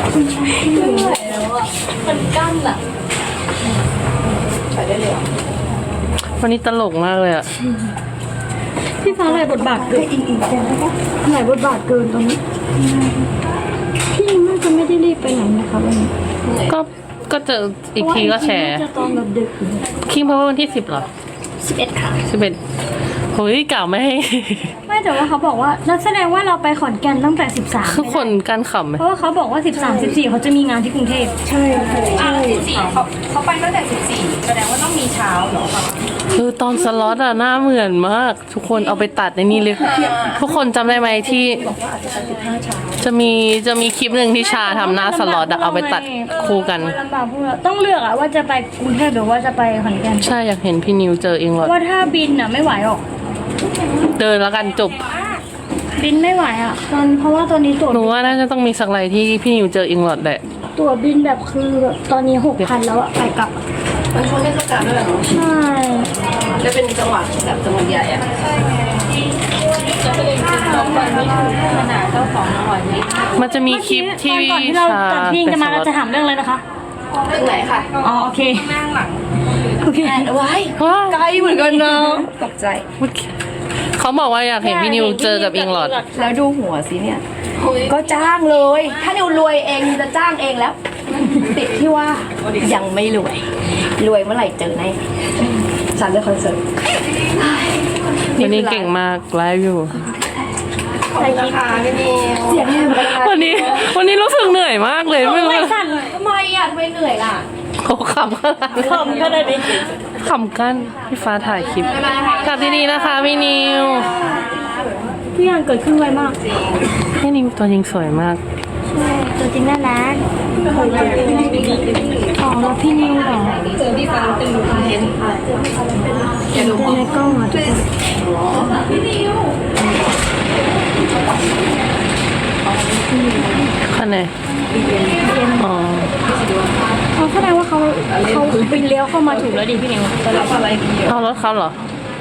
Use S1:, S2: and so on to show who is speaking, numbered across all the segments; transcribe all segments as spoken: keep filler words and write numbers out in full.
S1: ไม่ไหวแล้วอ่ะมันกั้นอ่ะใส่ได้เลย
S2: วันนี้ตลกมากเลยอ่ะ
S3: พี่ฟ้าหลายบทบาทเกินหลายบทบาทเกินตอนนี้พี่น่าจะไม่ได้รีบไปไหนนะคะวันนี้
S2: ก็ก็เจออีกทีก็แชร์
S3: จะตอนแบบดึก
S2: คิงเพราะว่าวันที่สิบเหรอ
S3: สิบเอ็ดค่ะ
S2: สิบเอ็ดเฮ้ยเก่าไม่ให้
S3: ไม่แต่ว่าเขาบอกว่านักแสดงว่าเราไปขอนแก่นตั้งแต่สิบสาม
S2: คือคนการขำไหม
S3: เพราะว่าเขาบอกว่าสิบสาม สิบสี่เขาจะมีงานที่กรุงเทพ
S1: ใช่ใช่สิบสี่เขาเขาไปตั้งแต่สิบสี่แสดงว่าต้องมีเช้าเหรอคะ
S2: คือตอนสล็อตอะหน้าเหมือนมากทุกคนเอาไปตัดในนี้เลยทุกคนจำได้ไหมที่จะมีจะมีคลิปหนึ่งที่ชาทำหน้าสล็อตอะเอาไปตัดคู่กัน
S3: ลำบากพวกเราต้องเลือกอะว่าจะไปกรุงเทพหรือว่าจะไปขอนแก่น
S2: ใช่อยากเห็นพี่นิวเจอเองหรอ
S3: ว่าถ้าบินอะไม่ไหวหรอก
S2: เดินแล้วกันจบ
S3: บินไม่ไหวอ่ะตอนเพราะว่าตอนนี้ตั๋ว
S2: หนูว่าน่าจะต้องมีสักไรที่พี่นิวเจออิงหลอดแหละ
S3: ตั๋วบินแบบคือแบบตอนนี้หกพันแล้วอะไปกลับ
S1: มันช่วงเทศกาลด้วยเหรอ
S3: ใช่
S1: จะเป็นจังหวัดแบบจังหวัดใหญ่อะใช่ไงจะเป็นสองวันนี้คือขนาดเจ้าของอร่อยนี้
S2: มันจะมีคลิปที่
S3: ก่อนที่เราตัดพิงจะมาเราจะถามเรื่องอะไรนะคะ
S1: เรื่องไหนค่ะ
S3: อ๋อโอเค
S1: นั่งหลัง
S3: โอเค
S1: ไว้ไกลเหมือนกันเนาะตกใจ
S2: เขาบอกว่าอยากเห็นพี่นิวเจอกับอิงหลอด
S1: แล้วดูหัวสิเนี่ยก็จ้างเลย ถ้านิวรวยเองจะจ้างเองแล้วติดที่ว่ายังไม่รวยรวยเมื่อไหร่เจอแน่ฉันเลือกคอนเสิร์ต
S2: วันนี้เก่งมากไลฟ์อยู่
S1: ใส่กีตาร์พี่นิวเสียง
S2: วันนี้วันนี้รู้สึกเหนื่อยมากเลยไม่รู้
S3: สั่น
S1: ทำไมอ่ะทำไมเหนื่อยล่ะ
S2: เขาขำกัน
S3: ขำกันเลย
S2: ขำกันพี่ฟ้าถ่ายคลิปกลับที่นี่นะคะพี่นิว
S3: ทุกอย่างเกิดขึ้นไวมาก
S2: พี่นิวตัวจริงสวยมาก
S3: ใช่ตัวจริงน่ารักอ๋อแล้วพี่นิวเหรอ
S1: เจอพี่ฟ้าเป็นดูคอนเทนต์
S3: เห็นในกล้องอ่ะทุกคน
S1: พี่นิว
S2: ข้างในอ๋อ
S3: เขาแสดงว่าเขาเขาไปเลี้ยวเข้ามาถูกแล้วดิพี่นิว
S1: จะรับอะไรดี
S2: เอารถเขาเหรอ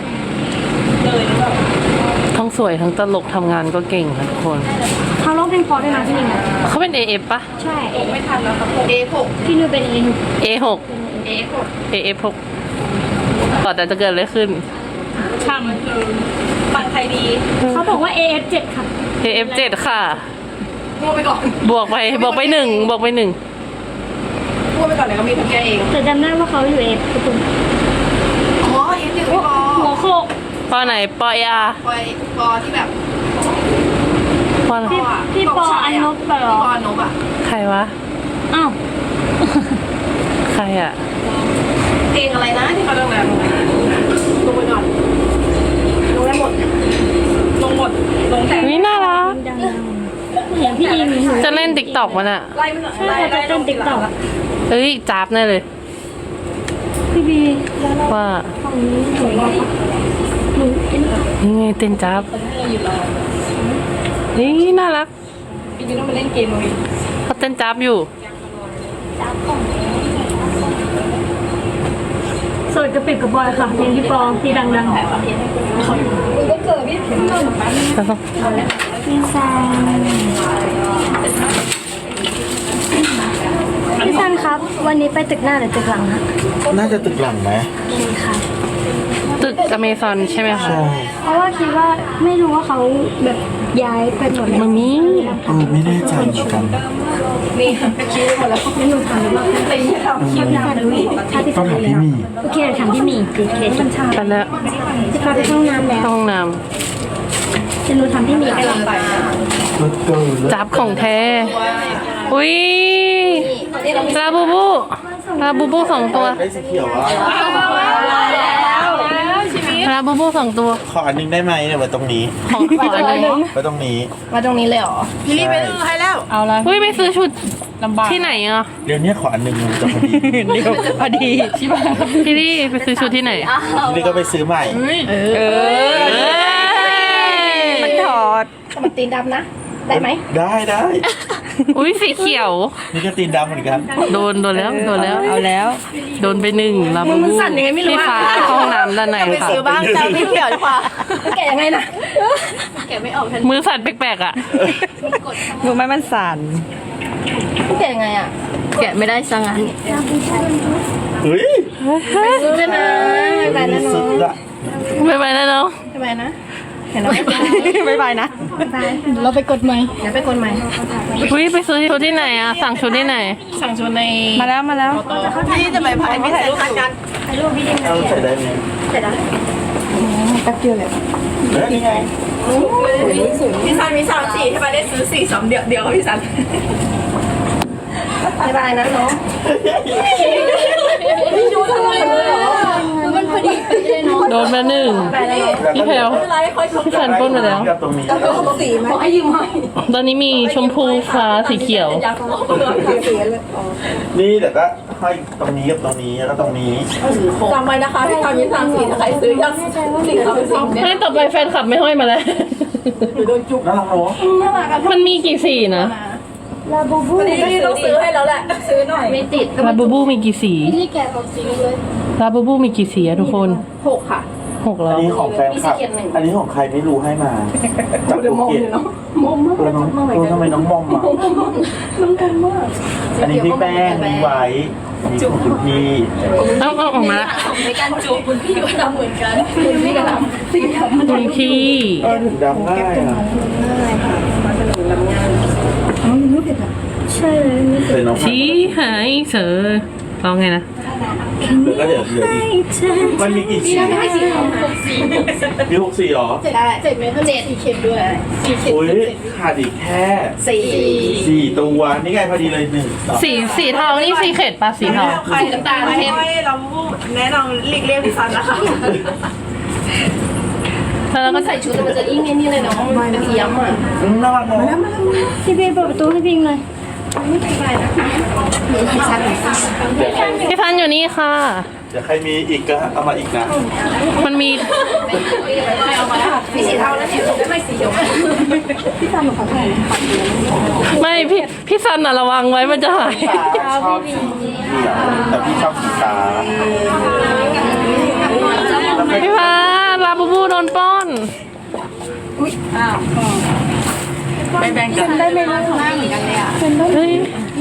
S2: ทั้งสวยทั้งตลกทำงานก็เก่งค่ะทุกคน
S3: เขาร้องเพลงพอด้วยนะพี่นิว
S2: เขาเป็น เอ เอฟ ปะ
S3: ใช่
S1: ไม่ทันแล้วครับ เอ หก
S3: พี่นิวเป็น เอ หก
S2: เอ หก
S1: เอ หก
S2: เอ เอฟ หกก่อนแต่จะเกิดอะไรขึ้น
S3: ช่าง
S1: ฟังใครดี
S3: เขาบอกว่า เอ เอฟ เจ็ดค่ะ
S2: เอ เอฟ เจ็ดค่ะ
S1: พูดไปก่อน
S2: บวกไปบวกไปหนึ่งบวกไปหนึ่ง
S1: พูดไปก่อนเลยเขามีทุกแกเอง
S3: แต่จำได้ว่าเขาอยู่ เอ เอฟ ทุกคน
S1: อ๋อ เอ เอฟ หนึ่งปอ
S3: หัวโคก
S2: ปอไหนปอยา
S1: ปอยปอที่แบบ
S2: ปอ
S3: พี่พี่ปออันนบเหรอ
S1: ปออันนบอ่ะ
S2: ใครวะ
S3: อ้าว
S2: ใครอ่ะ
S1: เพลงอะไรนะที่เขาเรื่องนั้นลงไปก่อนลงได้หมดลงหมดลงแต่
S2: นี่น่ารัก
S3: เห็นพี่อิม
S2: จะเล่นติ๊กต็อกมันอ่ะ
S1: ไล่มัน
S3: ใช่จะเล่นติ๊กต็อก
S2: เอ้ยจับแน่เลย
S3: พี่บี
S2: ว่า
S3: ฝั่งนี้สวยมากหนูเต้น
S2: นี่ไงเต้นจับนี่น่ารัก
S1: พี่บีต้องมาเล่นเกมเลย
S2: เขาเต้นจับอยู่
S3: สวยกระปิบกระบอยค่ะเพลงที่ปองที่ดังๆก็เกิดพี่เพียงพี่ซันพี่ซันครับวันนี้ไปตึกหน้าหรือตึกหลังคะ
S4: น่าจะตึกหลังไหม
S3: ค่ะ
S2: ตึกอเมซอนใช่ไหมคะ
S3: เพราะว่าคิดว่าไม่รู้ว่าเขาแบบย้ายไปหมด
S2: มันมี
S4: เออไม่แน่ใจเหมือนกัน
S1: นี่คิดหมดแล้ว
S3: ไม่รู้ทำหรือเปล่า
S1: ไปที่เราคิดนานเลย
S3: ถ้าพี่ซันเลยโอเคถามพี่หมีคือเคสชา
S2: ไปแล้ว
S3: จะพาไปห้องน้ำแล้ว
S2: ห้องน้
S3: ำจะรู้ทำพี่หมีไปลงไป
S2: จับของแท้อุ้ยลาบูบูลาบูบูสองตัว
S4: ได้สีเขียวอ่ะ
S2: ลาบูบูสองตัว
S4: ขออันนึงได้ไหมเนี่ยไว้ตรงนี้
S2: ของขออันนึง
S4: ไว้ตรงนี้
S1: มาตรงนี้เลยเหรอพี่ลี่ไปซื้อให้แล้ว
S2: เอาละเฮ้ยไปซื้อชุดที่ไหนอ่ะ
S4: เดี๋ยวนี้ขออันนึงจะพอดี
S2: เดี๋ยวพอดีพี่ลี่ไปซื้อชุดที่ไหน
S4: พี่ลี่ก็ไปซื้อใหม่
S2: เออ
S1: มันถอดมันตีนดำนะได้ไหม
S4: ได้ได้
S2: อุ้ยสีเขียว
S4: นี่ก็ตีนดำเหมือนกัน
S2: โดนโดนแล้วโดนแล้ว
S1: เอาแล้ว
S2: โดนไปหนึ่งลาบูบูพี่ฟ้าห้องน้ำด้านใน
S1: ค่ะไปซื้อบ้างแต่ไม่เขียวดีกว่าแกะยังไงนะแกะไม่ออกทัน
S2: มือสั่นแปลกๆอ่ะ
S1: มือไม่มันสั่นแกะแกะไม่ได้สังงั้น
S4: เฮ้ย
S1: ซื้อเลยนะไม่ไปนะ
S4: สุดละ
S2: ไม่ไปแล้วเนาะ
S1: ไม่ไปนะเห็นแล้ว
S2: ไม่ไปนะ
S3: เราไปกดใหม่
S1: เดี๋ยวไปคนใหม่
S2: อุ้ยไปซื้อชุดที่ไหนอะสั่งชุดที่ไหน
S1: สั่งชวนใน
S2: มาแล้วมาแล้ว
S1: พี่จะไปพายพี่ถ่ายรูปกัน
S4: เอาใส่ได้ไหม
S1: เสร็จแล้ว
S3: แป๊บเดียวเลย
S4: เฮ้ยนี่ไง
S1: พี่ซันมีสามสี่ที่มาได้ซื้อสี่สองเดียวเดียวกับพี่ซันไม่ไปนะน้องไม่ดูทำไมเลยเหรอมันพอดีไปเลยเนาะ
S2: โดนมาหนึ่ง
S1: ไปเลย
S2: พี่แพลวพี่สันปล้นมาแล้ว
S4: ตรงนี้
S1: สีไหมขอให้ยืมให้
S2: ตอนนี้มีชมพูฟ้าสีเขียว
S4: นี่เดี๋ยวก็ห้อยตรงนี้กับตรงนี้แล้วก็ตรงนี้
S1: จำไว้นะคะที่ตอนนี้สามสี่ใครซื้อยังสิ่งเขาเป็นสิ่งเนี่ย
S2: ให้ต่อไปแฟนคลับไม่ห้อยมาแล้ว
S4: น่ารักเนาะ
S2: มันมีกี่สีนะ
S3: ลาบูบู
S1: นี่ต้องซื้อให้แล้วแหละซื้อหน่อยไม่ติด
S2: ลาบูบูมีกี่สี
S3: ที่แกะของสีเลย
S2: ลาบูบูมีกี่สีอะทุกคน
S1: หกค่ะ
S2: หกแล้
S4: อัน
S2: ว
S4: นี้ของแฟนคลับอันนี้ของใครไม่รู้ให้มาจากภูเก็ต
S1: มอมมาก
S4: แล้วน้องเออทำไมน้องมอมอ่ะ
S1: น้องกันมาก
S4: อันนี้พี่แป้งมีไว้มีของคุณพี่
S2: เอาเอาออกมาละ
S1: ในการจูบคุณพี่ก็ทำเหมือนกันคุณพี่ก็ทำสีทำ
S2: คุณพี่
S4: เออถึงดำง่ายอ่ะ
S3: ใช่เลย
S4: เป็นน้อง
S2: ชี้หายเสือร้องไงนะ
S4: แล้วก็เดี๋ยวเหลืออีกมันมีกี่สี
S1: ให้สีทองหกสี
S4: มีหกสีเหรอ
S1: เจ็ดเจ็ดเมตรเจ็ดสีเข็มด้วยสีเข็ม
S4: อุ้ยขาดอีกแค่
S1: สี่
S4: สี่ตัวนี่ไงพอดีเลยหนึ่งสอง
S2: สีสีเทานี่สีเขตปะสีเทา
S1: สีน้ำตาลเทม
S5: เราแนะนำหลีกเลี่ยงพี่ซันนะคะ
S2: แล้วก็
S1: ใส่ชุดมันจะยิ่งนี่เลยเนาะมันเอี้ยมอ่ะ
S4: อืมน่ารักเนาะ
S3: พี่เบย์เปิดประตูให้พิงหน่อย
S2: พี่พันอยู่นี่ค่ะ
S4: เดี๋ยวใครมีอีกก็เอามาอีกนะ
S2: มันมี
S1: มีสีเทาแล้วสีชมพูไม่สีเขียว
S2: ไม่พี่พี่ซันอะระวังไว้มันจะหาย
S4: ชอบสีเหลืองแต่พี่ชอบสีฟ้าแล้วก็
S2: พี่พันลาบูบูโดนปล้น
S5: ไม่แบ่งกัน
S3: ได้ไหมล่ะหน้าเหมือนกันเลยอ่ะเป็นได้
S2: เฮ้ย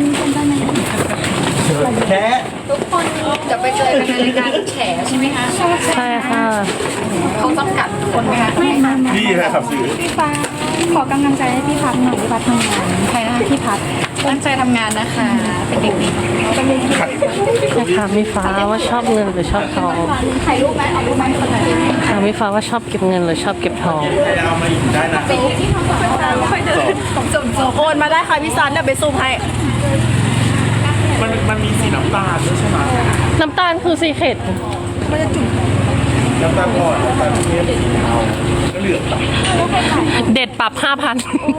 S4: แค่
S1: จะไปเจอกันในรายการแฉใช่ไหมคะ
S2: ใช่ค่ะ
S1: เขาจำกัดคนไหมคะ
S3: ไม่ไม่
S4: นี่นะครับสื่อ
S3: พี่ฟ้าขอกำลังใจให้พี่พัดหน่อยพี่พัดทำงานใครนะคะพี่พัด
S1: ตั้งใจทำงานนะคะ เป็นเด็กดี
S2: ถามพี่ฟ้าว่าชอบเงินหรือชอบทอง
S3: ถ่ายรูปไหมเอารูปไหมคนไหน
S2: ถามพี่ฟ้าว่าชอบเก็บเงินหรือชอบเก็บทอง
S4: ใครเอามาอีกได้นะ
S5: โอนมาได้ค่ะพี่ซันเดี๋ยวไปซูมให้
S4: มันมันมีสีน้ำตาลด้วยใช่ไหม
S2: น้ำตาลคือสีเขต
S4: น้ำตาลอ่อนน้ำตาลเข้มสีเทาก็เหลืองต่ำ
S2: เด็ดปรับห้าพัน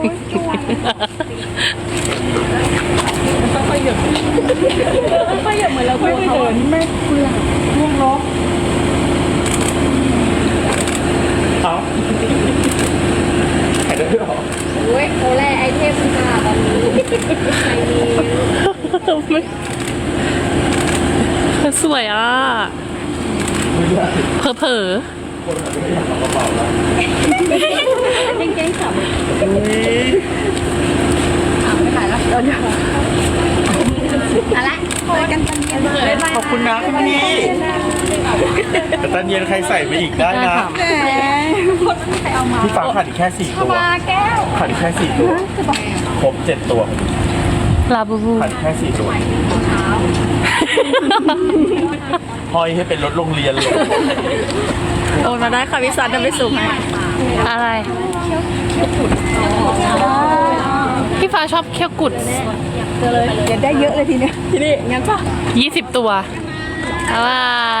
S4: เอ้าขายได้ด้วยเหรอ
S1: โอ้ยโคแรไอเทมค่ะตอนนี้
S2: สวยอ่ะ เผลอเผลอ
S3: เก่งๆค่ะ
S1: อะไรโคกันกันเย็น
S4: ขอบคุณนะคุณพี่แต่ตอนเย็นใครใส่ไปอีกได้นะพี่ฟ้าขาดอีกแค่สี่ตัว
S3: แก้ว
S4: ขาดอีกแค่สี่ตัวครบเจ็ดตัว
S2: ลาบูบู
S4: ขาดอีกแค่สี่ตัวห้อยให้เป็นรถโรงเรียนเลย
S5: โอนมาได้ค่ะพี่ซันเดี๋ยวไปซูมให้
S2: อะไร พี่ฟ้าชอบเคี้ยวกุด
S3: เดี๋ยวได้เยอะเลยทีเนี้ย
S5: ที่นี่งั้นป่ะ
S2: ยี่สิบตัวอะไร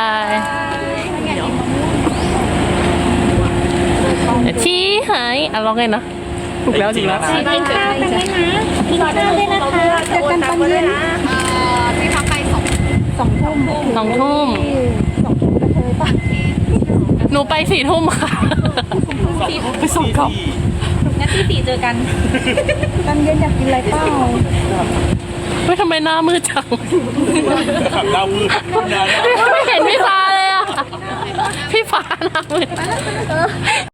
S2: ชี้หายอ่ะลองไงนะ
S4: ถูกแล้วจริงแล้วนะ
S3: กินข้าวกันด้วยนะกินข้าวด้วยนะคะเจอกันตอนเย็น
S1: พี่พักไปสอง
S3: สองทุ่ม
S2: สองทุ่ม
S3: สองทุ่มกระเทยปะ
S2: หนูไปสี่ทุ่มค่ะ
S4: ไปส่งเขา
S1: งั้นที่สี่เจอกัน
S3: ตอนเย็นอยากกินอะไรเปล่า
S2: เฮ้ยทำไมหน้ามืดจัง
S4: ขับดาวมืดนะ
S2: ไม่เห็นพี่ฟ้าเลยอ่ะ พี่ฟ้าหน้ามืด